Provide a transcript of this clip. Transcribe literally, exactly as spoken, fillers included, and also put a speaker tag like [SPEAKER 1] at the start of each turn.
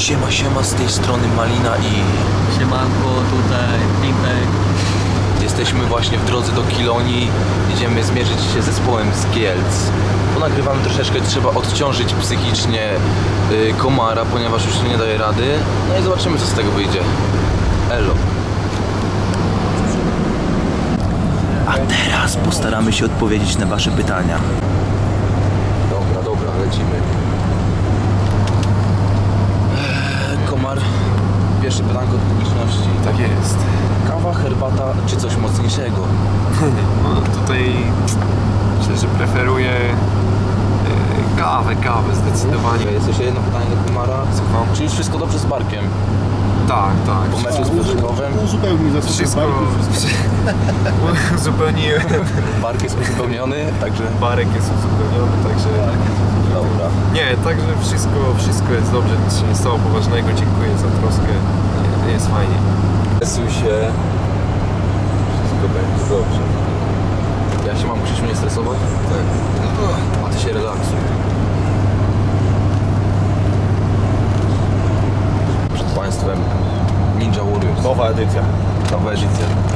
[SPEAKER 1] Siema, siema, z tej strony Malina i...
[SPEAKER 2] Siemanko, tutaj Pimpek.
[SPEAKER 1] Jesteśmy właśnie w drodze do Kilonii. Idziemy zmierzyć się z zespołem z Kielc. Bo nagrywamy troszeczkę, trzeba odciążyć psychicznie y, komara, ponieważ już nie daje rady. No i zobaczymy, co z tego wyjdzie. Elo. A teraz postaramy się odpowiedzieć na wasze pytania. Dobra, dobra, lecimy. Eee, komar, pierwsze pytanko od publiczności.
[SPEAKER 3] Tak jest.
[SPEAKER 1] Kawa, herbata czy coś mocniejszego?
[SPEAKER 3] No, tutaj myślę, że preferuję e, kawę, kawę zdecydowanie.
[SPEAKER 1] Jest jeszcze jedno pytanie do komara.
[SPEAKER 3] Słucham?
[SPEAKER 1] Czy już wszystko dobrze z barkiem?
[SPEAKER 3] Tak, tak.
[SPEAKER 1] Po meczu z Piotrkowem
[SPEAKER 4] Uzupełnij za
[SPEAKER 3] Wszystko uzupełniłem.
[SPEAKER 1] bark jest uzupełniony, także...
[SPEAKER 3] Barek jest uzupełniony, także...
[SPEAKER 1] Dobra.
[SPEAKER 3] Nie, także wszystko, wszystko jest dobrze, nic się nie stało poważnego. Dziękuję za troskę. Nie, jest fajnie.
[SPEAKER 1] Stresuj się. Wszystko będzie dobrze. Ja się mam, Krzysiu, nie stresować? Tak. A ty się relaksuj. Przed Państwem Ninja Warriors.
[SPEAKER 4] Nowa edycja.
[SPEAKER 1] Nowa edycja.